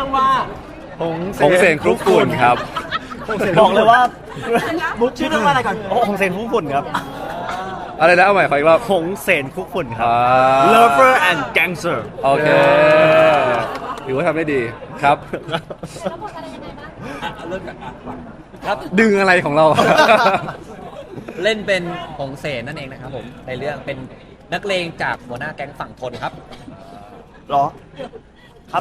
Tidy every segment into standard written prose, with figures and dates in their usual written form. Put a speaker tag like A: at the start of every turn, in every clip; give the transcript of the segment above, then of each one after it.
A: รื่องว่า
B: ผงเสนคลุกฝุ่นครับ
C: บอกเลยว่า
A: บุ๊กชื่อเรื่องว่าอะไรก่อน
C: ผงเสนคลุกฝุ่นครับ
B: อะไรนะเอาใหม่ขออีกรอบ
C: ผงเสนคลุกฝุ่นครับ
B: อ่า
C: Lover and Gangster
B: โอเคถือว่าทำได้ดีครับ
A: เริ่มจากก่อน
D: ครับ
B: ดึงอะไรของเรา
D: เล่นเป็นหงเสนนั่นเองนะครับผมในเรื่องเป็นนักเลงจากหัวหน้าแก๊งฝั่งทนครับ
C: หรอ ครับ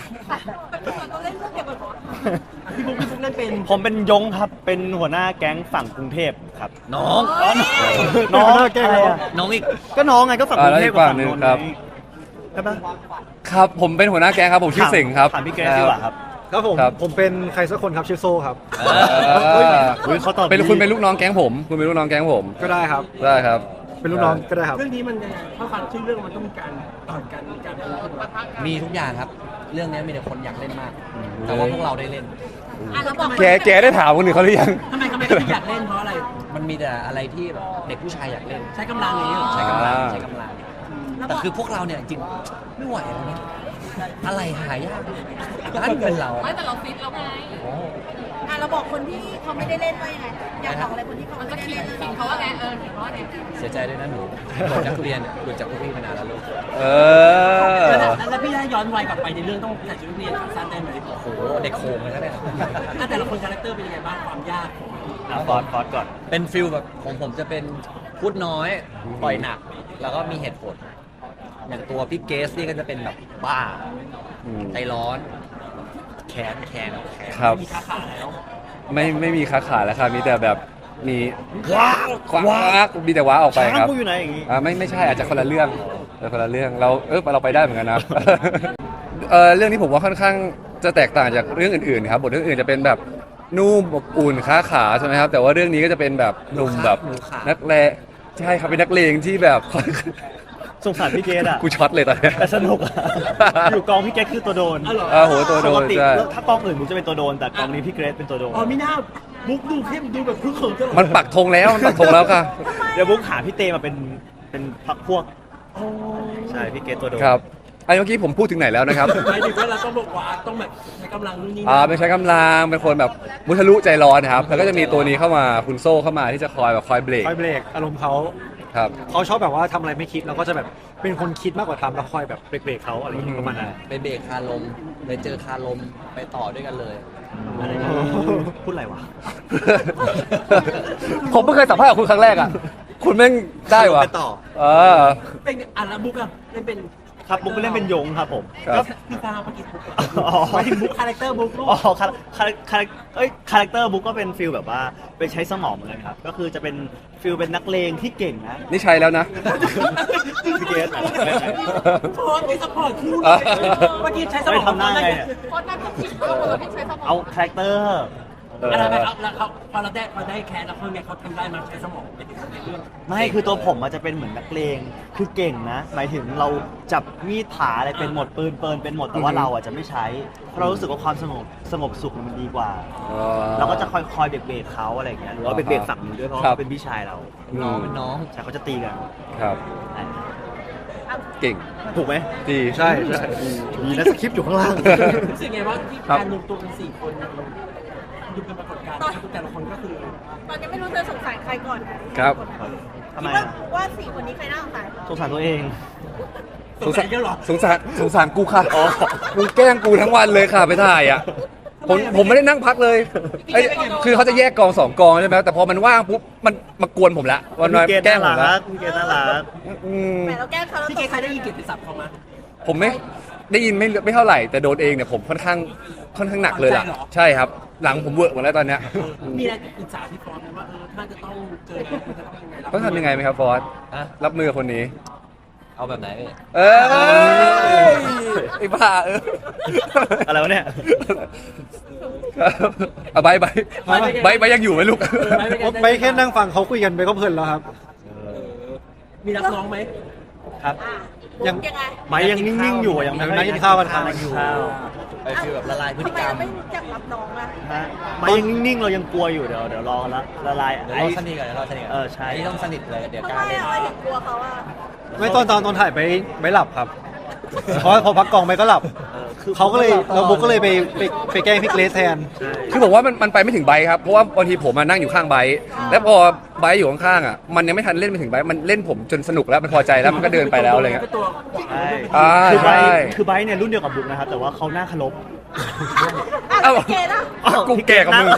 A: พี่บุ๊กเล่นเป็น
C: ผมเป็นยงครับ เป็นหัวหน้าแก๊งฝั่งกรุงเทพครับ
D: น้อง
C: น้องอะไรอะ
D: น้องอีก
C: ก็น้องไงก็ฝั่งกรุงเทพกับฝั่งนนท์
B: ครับ
C: ใช่ปะ
B: ครับผมเป็นหัวหน้าแก๊งครับผมชื่อเสิงครับ
C: ถามพี่เกรซดีกว่าครับ
E: ครับผม
B: ครับ
E: ผมเป็นใครสักคนครับชื่อโซ่ครับ
C: อุ๊ยเขาตอบ
B: เป็น
C: ดี
B: คุณเป็นลูกน้องแก๊งผมคุณเป็นลูกน้องแก๊งผม
E: ก็ได้ครับ
B: ได้ครับ
E: เป็นลูกน้องก็ได้ครับ
A: เรื่องนี้มันยังไงถ้าฟังชื่อเรื่องมันต้องมีการต่อยกันมีการพูดกัน
D: มีทุกอย่างครับ เรื่องนี้มีแต่คนอยากเล่นมาก แต่ว่าพวกเราได้เล่น
B: แกได้ถามคนอื่นเขาหรือยัง
A: ทำไมถึงอยากเล่นเพราะอะไร
D: มันมีแต่อะไรที่แบบเด็กผู้ชายอยากเล่น
A: ใช้กำลังอย่างนี้เหรอ
D: ใช้กำลัง
B: อ่า
D: ใช้กำลังแต่คือพวกเราเนี่ยจริงไม่ไหวแล้วนะอะไรหายากบ้านเกินเรา
F: ไม่แต่เราฟิตแล้วไงเราบอกคนที่เขาไม่ได้เล่นว่ายังไง อยากบอกอะไรคนที่เขาไม่ได้เล่นขิงเขาว่าไงขิงเขาว่าไง
D: เสียใจด้วยนะหนูหลุดจากทุเรียนหลุดจากพวกพี่มานานแล้วลูก
B: เออ
A: แล้วพี่ได้ย้อนวัยกลับไปในเรื่องต้องใส่ชุดนักเรียนขาสั้นได้ไหม
D: โอ้โหเด็กโคงเลยนะเนี่ย
A: แต่ละคนคาแรคเตอร์เป็นยังไงบ้างความยากของ
C: ฟอสก่อน
D: เป็นฟิลแบบของผมจะเป็นพูดน้อยปล่อยหนัก แล้วก็มีเหตุผล อย่างตัวพี่เกสนี่ก็จะเป็นแบบบ้า
B: อืม
D: ใจร้อน แขน
B: ครับ
A: มีขาขาแล้ว
B: ไม่มีค้าขายแล้วครับมีแต่แบบมีว้ามีแต่ว้าออกไป
C: ช้าง
B: ครับ
C: กูอยู่ไหนอย่างงี้
B: ไม่ใช่อาจจะคนละเรื่องคนละเรื่องเราไปได้เหมือนกันนะ เรื่องนี้ผมว่าค่อนข้างจะแตกต่างจากเรื่องอื่นๆครับบทเรื่องอื่นจะเป็นแบบนุ่มอบอุ่นค้าขาใช่ไหมครับแต่ว่าเรื่องนี้ก็จะเป็นแบบหนุ่มแบบ
D: หนูขา
B: นักเลงใช่ครับเป็นนักเลงที่แบบ
C: สงสารพี่เกดอ่ะ
B: กูช็อตเลยตอนเนี้ย
C: แต่สนุกอะอยู่กองพี่เกดคือตัวโดน
B: โหตัวโด
C: ปก
B: น
C: ติ
B: ใช่
C: ถ้ากองอื่นผมจะเป็นตัวโดน แต่กองนี้พี่เกรซเป็นตัวโดน
A: อ๋อมีหน้าบุ๊กดูเข้มดูแบบพึ่งเขินตลอด
B: มันปักธงแล้วมันปักธงแล้วค่ะ
C: เดี๋ยวบุ๊กหาพี่เตมาเป็นพักพวก ใช่พี่เกดตัวโดน
B: ครับไอ้เมื่อกี้ผมพูดถึงไหนแล้วนะครับ
A: หมายถึงว่าเราต้องบอกว่าต้องแบบใช้กำลังนู่นนี่
B: เป็นใช้กำลังเป็นคนแบบมุทะลุใจร้อนนะครับแล้วก็จะมีตัวนี้เข้ามาคุณโซ่เข้ามาที่จะคอยเบรก
E: คอยเบรกอารมณ์เขา
B: ครับ
E: เขาชอบแบบว่าทำอะไรไม่คิดแล้วก็จะแบบเป็นคนคิดมากกว่าทำแล้วคอยแบบเบรกเขาอะไรอย่างเงี้ยประมาณนั้น
D: ไปเบรกคาลมเลยเจอคาลมไปต่อด้วยกันเลย
C: พูดอะไรวะ
B: ผมเพิ่งเคยสัมภาษณ์กับคุณครั้งแรกอ่ะ คุณแม่งได้วะ
C: ไปต่อ
B: เออ
A: เป็นแล้วบุ๊กอะเล่นเป็น
C: ครับบุ๊กไปเล่นเป็นยงครับผม
B: ครับ
A: พี่ฟางเมื่อกี้บุ๊ก
C: อ๋อ
A: หมายถึงบุ๊กคาแรคเตอร์บุ๊กลูก
C: อ๋อคาแรคเตอร์บุ๊กก็เป็นฟิลแบบว่าไปใช้สมองเหมือนกันครับ ก็คือจะเป็นฟิลเป็นนักเลงที่เก่งนะ
B: นี่ใช่แล้วนะ
C: พี่เกด
A: โพสต์มีสปอร์ตคู่
B: อ่ะ
A: เมื่อกี้ใช้สม
C: ไม่
A: อง
C: ทำหน้าไงเนี่ย
F: โค้ชนั่นก็ผิดเขาบอกว่าพี่ใช้สมอง
C: เอาคาแรคเตอร์
A: อะไรไปครับแล้วเขาพอเราได้แคสแล้วเขาเนี่ยเขาทำได้มาใช้สมองเป็นในเรื่อง
C: ไม่คือตัวผมมันจะเป็นเหมือนนักเลงคือเก่งนะ หมายถึงเราจับมีดผาอะไรเป็นหมดปืนเป็นหมดแต่ว่าเราอ่ะจะไม่ใช้เพราะเรารู้สึกว่าความสงบสุขมันดีกว่า เราก็จะคอยเบรกเขาอะไรอย่างเงี้ยหรือว่าเบรกฝั่งนู้นด้วยเพราะ
B: ครับ
C: เขาเป็นพี่ชายเรา
D: น้องเป็นน้อง
C: ใช่เขาจะตีกัน
B: ครับ เก่ง
C: ถูกไหม
B: ดี
E: ใช่มีนะสคริปต์อยู่ข้างล่าง
A: รู้สึกไงว่าที่การรวมตัวกัน4 คนดูเป็นปรากฏการณ์ที่แต่ละคนก็คือ
F: ตอนนี้ไม่รู้จะสงสารใครก่อนนะครับ
C: ทำไม
F: คิดว่า
C: อะ
F: ว่าสี่คนนี้ใครน่าสงสาร
C: สงสารตัวเอง
A: สงสัยเยอะหรอ
B: สงสารกูค่ะมึงแกล้งกูทั้งวันเลยค่ะไปถ่ายอ่ะผมไม่ได้นั่งพักเลยไอ้คือเขาจะแยกกอง2 กองใช่ไหมแต่พอมันว่างปุ๊บมันมากวนผมละวัน
C: พี่
B: มา
C: เกด
B: แกล้ง
C: น่า
B: ผมละ
C: รักพี่เกดน่ารัก
B: อืม
F: แต่เราแกล้งเขาแล้ว
A: พี่เกย์ใครได้ยินเกียรติศัพท์เขามา
B: ผมไม่ได้ยินไม่เท่าไหร่ แต่โดนเองเนี่ยผมค่อนข้างหนักเลยล่ะใช่ครับ หลังผมเวิร์กหมดแล้วตอนเนี้ย
A: มีอะไรปรึกษาพี่ฟอนไหมว่าถ้าจะต้องเจอมันจะต้องยังไง
B: ต้องทำยังไงไหมครับฟอส
D: อะ
B: รับมือกับคนนี้
D: เอาแบบไหนพี่
B: เออไอ้บ้า
C: อะไรวะเนี่ย
B: เอาใบยังอยู่ไหมลูก
E: ไปแค่นั่งฟังเขาคุยกันไปก็เพลินแล้วครับ
A: มีรับน้องไหม
C: ครับ
E: ยัง
F: ยังไง
C: ไม้ยังนิ่งๆอยู่อะยังไม่
E: นั่งกินข้าวกันครับ
C: นั่งกินข้าว
D: ไปฟีลแบบละลายพฤติ
F: ทำไม
D: กรร
F: เรา
D: ม
F: ไม่รู้จักรับน้องล่ะ
C: ฮะไม้ยังนิ่งๆเรายังกลัวอยู่เดี๋ยวรอละลาย
D: เดี๋ยวเราสนิทกันเดี๋ยวเราสนิทกัน
C: ใช่
D: อันนี้ต้องสนิทเลยเดี๋ยว
F: ทำ
D: กล้า
F: ไม
D: เล่น
F: เราถึงกลัวเขาอ่ะ
E: ไม่ตอนถ่ายไปหลับครับเพราะพอพักกองไปก็หลับเขาก็เลยเราบุ๊กก็เลยไปแกล้งพี่เกรซแทน
B: คือบอกว่ามันไปไม่ถึงไบค์ครับเพราะว่าบางทีผมมานั่งอยู่ข้างไบค์แล้วพอไบค์อยู่ข้างๆอ่ะมันยังไม่ทันเล่นไปถึงไบค์มันเล่นผมจนสนุกแล้วมันพอใจแล้วมันก็เดินไปแล้วอะไรเงี้ย
A: ตัว
C: ใช่
B: อ่า
C: คือไบ
B: ใช่
C: ร์ทคือไบร์ทเนี่ยรุ่นเดียวกับบุ๊กนะครับแต่ว่าเขาหน้าเคารพ
F: อ่ะแล้วพี่เกดอ่ะ
B: กูแก่กับมึง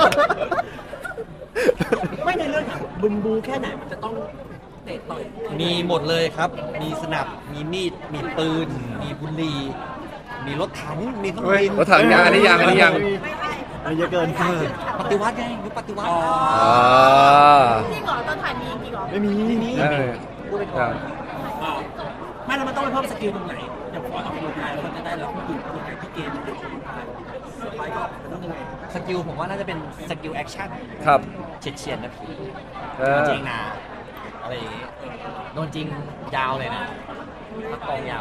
A: ไม่ในเรื่องบึมบูแค่ไหนมันจะต้องเตะต่อย
D: มีหมดเลยครับ มีสนับ มีมีด มีปืน มีบุหรี่มีรถถัง มีเครื่องบิน
B: รถถังยังอันนี้ยัง
C: อันนี้เยอะเกิน
D: ปฏิวัติไงยุคปฏิวัติ
B: อ่า
F: จริงเหรอตอนถ่ายมีจริงเหรอ
C: ไม่มี
B: เออ
D: พูดไปก่อน
A: ไม่แล้วมันต้องไปเพิ่มสกิลตรงไหนอย่างพอออกกำลังกายแล้วมันจะได้แล้วผู้หญิงคนไหนที่เกณฑ์ไปก็มันต้องยังไง
D: สกิลผมว่าน่าจะเป็นสกิลแอคชั่น
B: ครับ
D: เฉียดๆนะพี่
B: เอ
D: โด
B: อน
D: จริงนะอะไรอย่างงี้โดนจริงยาวเลยนะพักกองยาว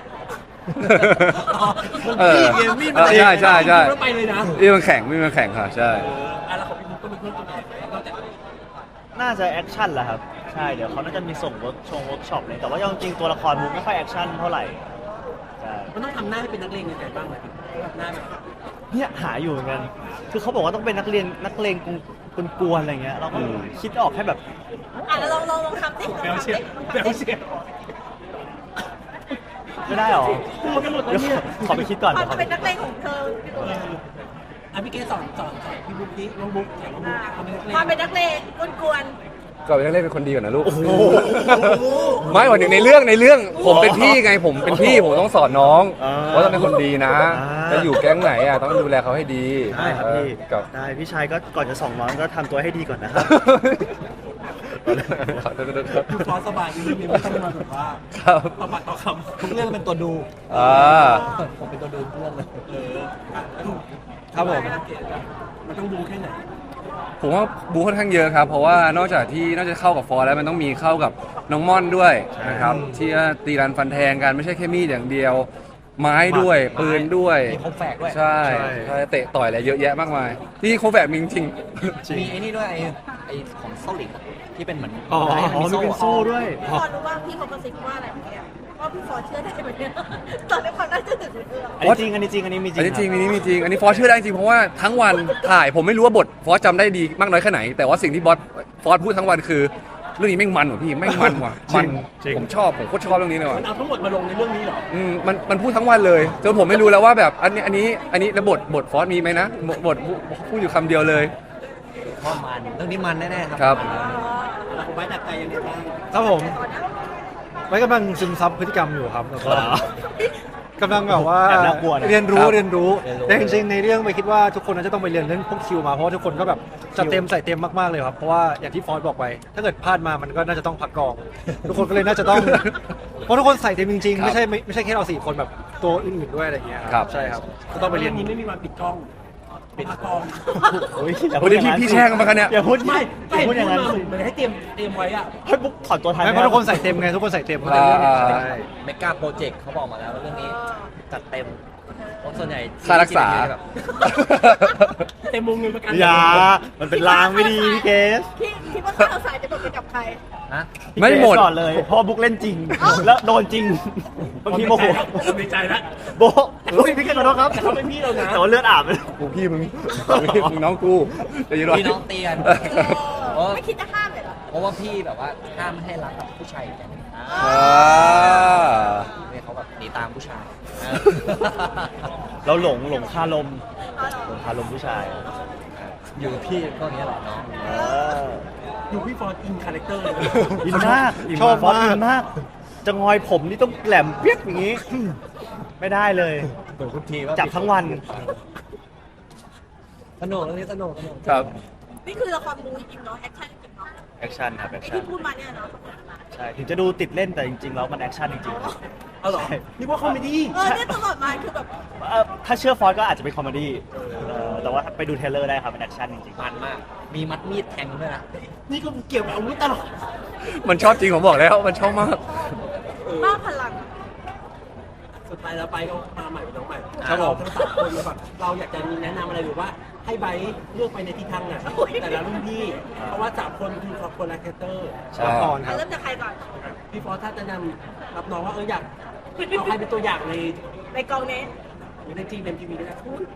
B: เออใช่ใช่ใช่
A: แล้วไปเลยนะ
B: นี่มันแข่งนี่มันแข่งค่ะใช่
A: แล้วของพี่บุ๊กก็เป็นเพื่อนตัวไหนนอกจาก
C: น่าจะแอคชั่นแหละครับใช่เดี๋ยวเขาน่าจะมีส่งเวิร์กช็อปเลยแต่ว่าจริงๆตัวละครบุ๊กไม่ค่อยแอคชั่นเท่าไหร่ใช่
A: มันต้องทำหน้าให้เป็นนักเลงยังไงบ้างไหมหน้าแบบ
C: เนี่ยหาอยู่เหมือนกันคือเขาบอกว่าต้องเป็นนักเลงกวนๆอะไรเงี้ยเราก็คิดออกแค่แบบ
F: อ่ะแล้วลองทำสิ
A: เบลเชียเบลเชีย
C: ไม่ได้หรอ
A: พูดกันหมดแล้ว
C: เดี๋ยว
A: เนี่ย
C: ขอไปคิดก่อน
F: ควา
C: เดี๋ยวขอ
F: มเป็นนักเลงของเธอ
A: อ่ะพี่เกสอนพี่บุ๊กดิน้องบุ๊กสอนน้องบุ๊กทำเป็นนักเลง
F: ความเป็นนักเลงกวน
B: ก็เป็นนักเล่นเป็นคนดีก่อนนะลูกไม่วันหนึ่งในเรื่องผมเป็นพี่ไงผมเป็นพี่ผมต้องสอนน้องว่าต้องเป็นคนดีนะจะอยู่แก๊งไหนอ่ะต้องดูแลเขาให้ดี
C: ได้ครับพี่
B: กับ
C: ได้พี่ชายก็ก่อนจะส่องน้องก็ทำตัวให้ดีก่อนนะครับ
A: คือฟอสสบายดีไม่ต้องมาแบบว่า
B: ครับ
A: ต่อปากต่อคำ
D: ทุกเรื่องเป็นตัวดู
B: อ่า
D: ผมเป็นตัวดูทุกเรื่องเลย
E: ครับผม
A: มันต้องดูแค่ไหน
B: ผมว่าบูค่อนข้างเยอะครับ เพราะว่านอกจากเข้ากับฟอร์แล้วมันต้องมีเข้ากับน้องม่อนด้วยนะครับที่ตีรันฟันแทงกันไม่ใช่แค่มีดอย่างเดียว ไม้ด้วยปืนด้วย
D: มีคมแฝกด้วย
B: ใช่ใช่เตะต่อยอะไรเยอะแยะมากมายที่โคแฝกมีจริง
D: มีไอ้นี่ด้วยไอ้ของโซลิกที่เป็นเหมือน
E: อ๋อ
C: มีเป็นโซ่ด้วย
F: ๆพี่ฟอร์รู้ว่าพี่เขากระซิบว่าอะไรเมื่อกี้ว่าพี่ฟอร์เชื่อได้ไหมเนี่ยตอนนี้ความน่าเชื่อถือเรื่อง
C: อันนี้จริงอันนี้จริงอันนี้มีจริง
B: อันนี้จริงอันนี้มีจริงอันนี้ฟอสเชื่อได้จริงเพราะว่าทั้งวันถ่ายผมไม่รู้ว่าบทฟอสจำได้ดีมากน้อยแค่ไหน แต่ว่าสิ่งที่ฟอสพูดทั้งวันคือ เรื่องนี้แม่งมันว่ะพี่แม่งมันว่ะมันผมชอบผมโคตรชอบเรื่องนี้เลยว่ะ
A: มันเอาทั้งหมดมาลงในเรื่องนี้เหรอ
B: มันพูดทั้งวันเลยจนผมไม่รู้แล้วว่าแบบอันนี้แล้วบทฟอสมีไหมนะบทพูดอยู่คำเดียวเลย
D: ข้อมันเรื่องนี้มันแน่ๆครับ
B: ครับ
A: แล้วผมไว้ดักใจยังไงบ้าง
E: ครับผมไว้กำลังซึมซับพฤติกรรมอยู่ครับแล้วก็กำลังแบบว่า
C: แอบน่ากลัวนะ
E: เรียนรู้แต่จริงๆในเรื่องไปคิดว่าทุกคนน่าจะต้องไปเรียนเรื่องพวกคิวมาเพราะว่าทุกคนก็แบบจัดเต็มใส่เต็มมากๆเลยครับเพราะว่าอย่างที่ฟอสบอกไป ถ้าเกิดพลาดมามันก็น่าจะต้องพักกอง ทุกคนก็เลยน่าจะต้องเพราะทุกคนใส่เต็มจริงๆไม่ใช่แค่เรา4คนแบบตัวอื่นๆด้วยอะไรอย่างเงี้ยครับใช่ครับก็ต้องไปเรียน
A: นี้ไม่มีวันปิดกล้องปิดกล้อง
C: โอ้ย
B: วันนี้พี่แช่งกันมากันเนี่ย
C: อย่าพูด
A: ไม่
C: อย่าพูดอย่างนั้น
A: เหมือนให้เตรียมไว้อะ
C: ให้บุ๊กถอนตัวทัน
E: ไม่เพราะทุกคนใส่เต็มไงทุกคนใส่เต็มเขาเลยใช่
D: เมกาโปรเจกต์เขาบอกมาแล้วว่าเรื่องนี้จัดเต็มเพราะส่วนใหญ่
B: ค่ารักษา
D: แบบ
A: เต็มวงเงินประกัน
C: อย่ามันเป็นลางไม่ดีพี่เกส
F: พี่คิดว่าถ้าเราสายจะตกไปกับใคร
D: ฮะ
B: ไม่หมด
C: พี่เกสก่อนเลยเพราะว่าบุ๊กเล่นจริง แล้วโดนจริงบางทีโมโห
A: ในใจแล้ว
C: โบะโอ้ยพี่เกสขอโทษครับ
A: แต่เขาเป็นพี่เรานะ
C: แต่ว่าเลือดอาบเลย
B: กูพี่มึงน้องกูจะยืนรอ
D: พี่น้องเตียน
F: ไม่คิดจะห้ามเลยเหรอ
D: เพราะว่าพี่แบบว่าห้ามไม่ให้รักกับผู้ชายกันเนี่ยเขาแบบหนีตามผู้ชาย
C: เราหลงคาลมหลงคาลมผู้ชาย
D: อยู่กับพี่ก็อย่างเงี้ยแหละน้อง
C: เออ
A: อยู่พี่ฟอร์ดอินคาแรคเตอร์เลย
C: อินมากชอบอินมาก จะงอยผมนี่ต้องแหลมเปียกอย่างนี้ ไม่ได้เลย
D: ตัวทุกทีว่า
C: จับทั้งวัน
D: สนุกเรื่องนี้สนุก
B: ครับ
F: นี่คือละครบูจริงๆเนาะแอคชั่นจริงๆเนาะ
C: แอคชั่นครับแอค
F: ไอ้
C: ชั่น
F: ที่พูดมาเนี่ยเนาะ
C: ใช่ถึงจะดูติดเล่นแต่จริงๆแล้วมันแอคชั่นจริง
A: เอาเหรอนี่ว่าคอมเมดี้
F: เนี่ยตลอดมาคือแบบ
C: ๆถ้าเชื่อฟอสก็อาจจะเป็นคอมเมดี้แต่ว่าไปดูเทรลเลอร์ได้ครับเป็นแอคชั่นจริง
D: มันมาก มีมัดมีดแทงด้วยนะ
A: นี่ก็เกี่ยวกับอาวุธตลอด
B: มันชอบจริงผมบอกแล้วมันชอบมาก
F: บ้าพลัง
A: สุดท้ายแล้วไปก็มาใหม่เป็นน้องใหม่
E: ครับผม
A: ทั้งสามคนเลยแบบเราอยากจะมีแนะนำอะไรหรือว่าให้ไบร์ทเลือกไปในทิศทางไหนแต่ละรุ่นพี่ เพราะว่าสามคนคือคนละแครคเตอร์
B: ใช่
E: ละครครับ
F: เริ่มจากใครก่อน
A: พี่ฟอสถ้าจะนำรับน้องว่าอยากเอาใครเป็นตัวอย่างใน
F: กองนี้
A: ในจีเอ็มทีวีด้วยนะ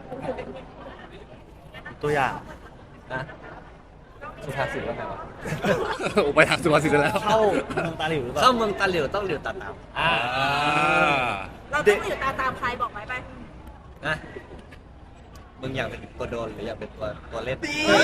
C: ตัวอย่าง
D: นะสุภาษิตว่าไงวะ
B: ไปทางสุภาษิตแล้ว
C: เข้าเมืองตาหลิวหรือเป
D: เข้า
C: ล่า
D: เมืองตาหลิวต้องหลิวตาตาม
F: เราต้องอยู่ตามใครบอกไว้ไป
D: นะมึงอยากเป็นตัวโดนหรืออยากเป็นตัวเล่น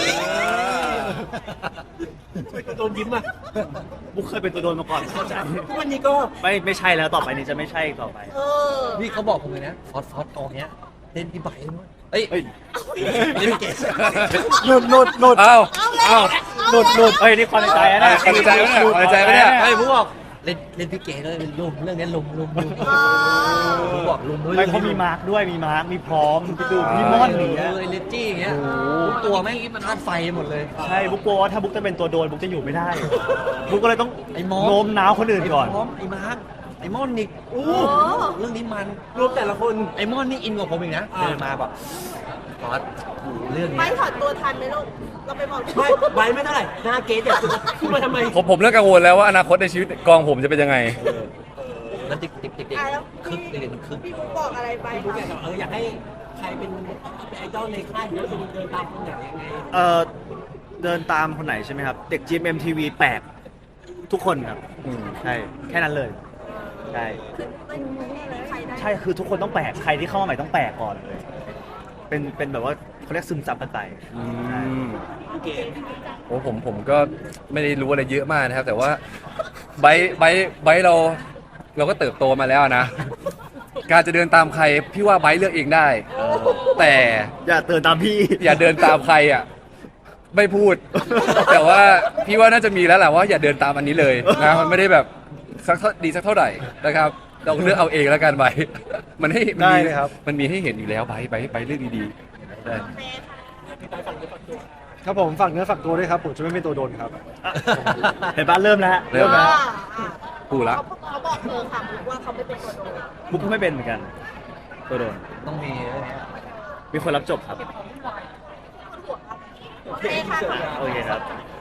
A: โดนยิ้มอ่ะ
C: บุ๊กเคยเป็นตัวโดนมาก่อนเข้าใจ
A: ทุกวันนี้ก็
C: ไม่ใช่แล้วต่อไปนี้จะไม่ใช่อีกต่อไป
F: เออ
D: นี่เขาบอกผมเลยนะฟอสกองเนี้ยเล่นพี่ใบด้วยเอ้ย
C: เฮ้ย
D: เล่นพี่เกศ
C: หลุด
B: เอ้า
F: เอา
C: หลุดเฮ้ยนี่ความในใจนะ
B: ความในใจปะเนี่ยความในใจปะเนี่ย
D: ไอ้ผมบอกเล่นพี่เกศเลยลุมเรื่องนี้ลุมผมบอกลุม
C: ไม่เขามีมาร์กด้วยมีมาร์กมีพร้อมพี่ดูมีม่อนหนี
D: เลยเลจี้อย่างเงี้ยทุกตัวแม่งมันธาตุไฟหมดเลย
C: ใช่บุ๊กกลัวว่าถ้าบุ๊กจะเป็นตัวโดนบุ๊กจะอยู่ไม่ได้บุ๊กก็เลยต้อง
D: ไอ้มอส
C: โน้มน้าวคนอื่นก่อน
D: ไพร้อมไอ้มาร์คไอ้มอนนิกเรื่องนี้มัน
A: รวมแต่ละคน
D: ไอ้มอนนี่อินกว่าผมอีกนะเดินมาแบบฟอสเรื่อง
F: ไม่
D: นี้
F: ถอดตัวทันไหมลูก เราไปบอก
A: ไม่ใบไม่เท่าไหร่หน้าเกสเนี่ยคุณมาทำไม
B: ผมเริ่มกังวลแล้วว่าอนาคตในชีวิตกองผมจะเป็นยังไง
D: แล้วติ๊ก
F: อ่ะแล้ว
D: คึกเด็กมันคึก
F: พี่บุ๊กบอกอะไรไป
A: พี่บุ๊กอยากจะอยากให้ใครเป็นไอดอลในค่ายหรือว่าเป็นเดินตามคนไหนยังไง
C: เดินตามคนไหนใช่ไหมครับ เด็ก GMMTV แปลกทุกคนครับ ใช่ แค่นั้นเลย ใช่
F: คือไม่ใครได้
C: ใช่คือทุกคนต้องแปลกใครที่เข้ามาใหม่ต้องแปลกก่อนเลย เป็นแบบว่าเขาเรียกซึมซับกันไป
A: พี่เกส
B: โอ้ผมก็ไม่ได้รู้อะไรเยอะมากนะครับ แต่ว่าไบร์ทเราก็เติบโตมาแล้วนะ การจะเดินตามใครพี่ว่าไบร์ทเลือกเองได้ แต่
C: อย่าเตือนตามพี่
B: อย่าเดินตามใครอ่ะ ไม่พูด แต่ว่าพี่ว่าน่าจะมีแล้วแหละว่าอย่าเดินตามอันนี้เลยนะมันไม่ได้แบบสักเท่าไหร่นะครับเราเลือกเอาเองแล้วกันไบร์ทมันให้มัน
E: ได้
B: มี
E: เลยครับ
B: มันมีให้เห็นอยู่แล้วไบร์ทเลือกดีๆได้
E: ครับผมฝากเนื้อฝากตัวด้วยครับผมจะไม่เป็นตัวโดนครับ
C: เห็นปะเริ่มแล้ว
B: เริ่มแล้ว
F: อ่า
B: กูละ
F: เขาบอกเธอค่ะบุ๊กว่าเขาไม่เป็นตัวโดน
C: บุ๊กก็ไม่เป็นเหมือนกัน ตัวโดน
D: ต้องมีเรื่องนี้
C: มีคนรับจบครับ
F: โอเคค่ะ
C: โอเคครับ